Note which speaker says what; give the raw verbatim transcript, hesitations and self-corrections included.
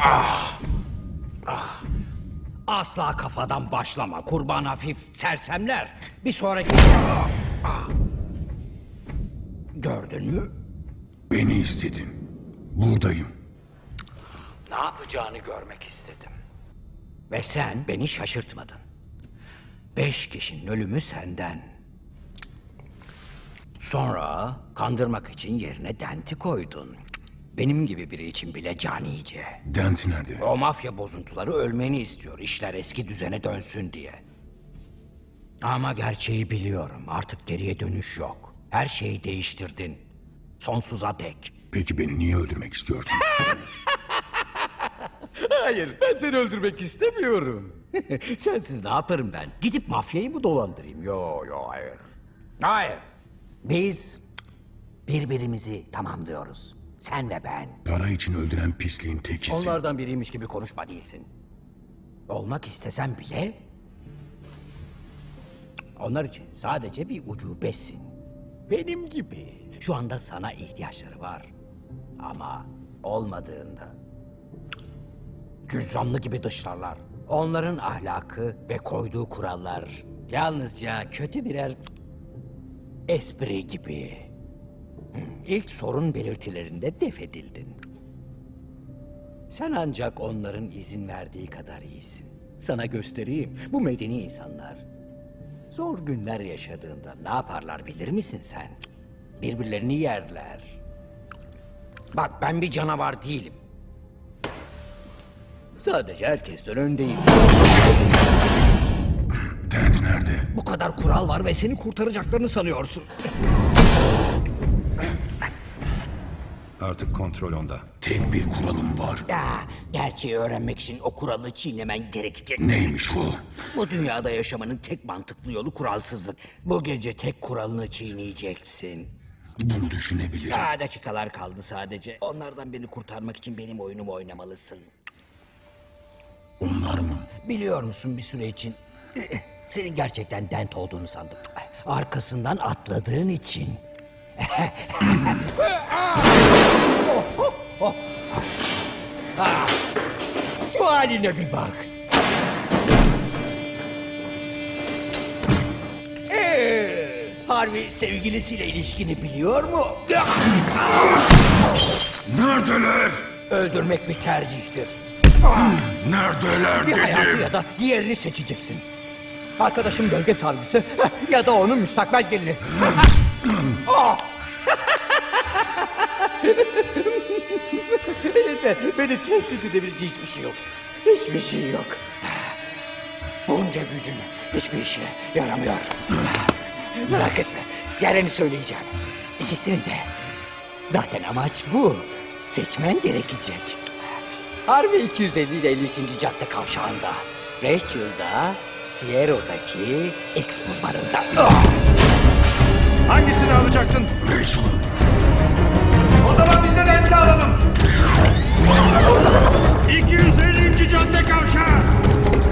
Speaker 1: Ah! Ah! Asla kafadan başlama. Kurban hafif sersemler. Bir sonraki... Ah! Ah! Gördün mü?
Speaker 2: Beni istedin. Buradayım.
Speaker 1: Ne yapacağını görmek istedim. Ve sen beni şaşırtmadın. Beş kişinin ölümü senden. Sonra kandırmak için yerine Dent'i koydun. Benim gibi biri için bile canice.
Speaker 2: Dent nerede?
Speaker 1: O mafya bozuntuları ölmeni istiyor. İşler eski düzene dönsün diye. Ama gerçeği biliyorum. Artık geriye dönüş yok. Her şeyi değiştirdin. Sonsuza dek.
Speaker 2: Peki beni niye öldürmek istiyorsun?
Speaker 1: Hayır, ben seni öldürmek istemiyorum. Sensiz ne yaparım ben? Gidip mafyayı mı dolandırayım? Yo, yo, hayır. Hayır. Biz birbirimizi tamamlıyoruz. Sen ve ben.
Speaker 2: Para için öldüren pisliğin tekisin.
Speaker 1: Onlardan biriymiş gibi konuşma değilsin. Olmak istesem bile... Onlar için sadece bir ucubesin. Benim gibi. Şu anda sana ihtiyaçları var. Ama olmadığında... Cüzzamlı gibi dışlarlar. Onların ahlakı ve koyduğu kurallar... Yalnızca kötü birer... espri gibi. İlk sorun belirtilerinde def edildin. Sen ancak onların izin verdiği kadar iyisin. Sana göstereyim. Bu medeni insanlar zor günler yaşadığında ne yaparlar bilir misin sen? Birbirlerini yerler. Bak ben bir canavar değilim. Sadece herkesten öndeyim.
Speaker 2: Dent nerede?
Speaker 1: Bu kadar kural var ve seni kurtaracaklarını sanıyorsun.
Speaker 2: Artık kontrol onda. Tek bir kuralım var.
Speaker 1: Ya, gerçeği öğrenmek için o kuralı çiğnemen gerekecek.
Speaker 2: Neymiş o?
Speaker 1: Bu dünyada yaşamanın tek mantıklı yolu kuralsızlık. Bu gece tek kuralını çiğneyeceksin.
Speaker 2: Bunu düşünebilirim.
Speaker 1: Daha dakikalar kaldı sadece. Onlardan birini kurtarmak için benim oyunumu oynamalısın.
Speaker 2: Onlar mı?
Speaker 1: Biliyor musun bir süre için senin gerçekten Dent olduğunu sandım. Arkasından atladığın için. Şu haline bir bak. Ee, Harvey sevgilisiyle ilişkini biliyor mu?
Speaker 2: Neredeler?
Speaker 1: Öldürmek bir tercihtir.
Speaker 2: Neredeler
Speaker 1: Bir hayatı
Speaker 2: dedim.
Speaker 1: ya da diğerini seçeceksin. Arkadaşım bölge savcısı ya da onun müstakbel gelini. Oh! Elinde beni tehdit edebileceği hiçbir şey yok. Hiçbir şey yok. Bunca gücün hiçbir işe yaramıyor. Merak etme. Yarını söyleyeceğim. İkisini de. Zaten amaç bu. Seçmen gerekecek. Harvey iki yüz elli ile elli ikinci cadde kavşağında. Rachel'da, Sierra'daki X bulvarında. Ah!
Speaker 3: Hangisini alacaksın?
Speaker 2: Rachel'ı.
Speaker 3: O zaman biz de Dent'i alalım. iki yüz ellinci cadde kavşağı.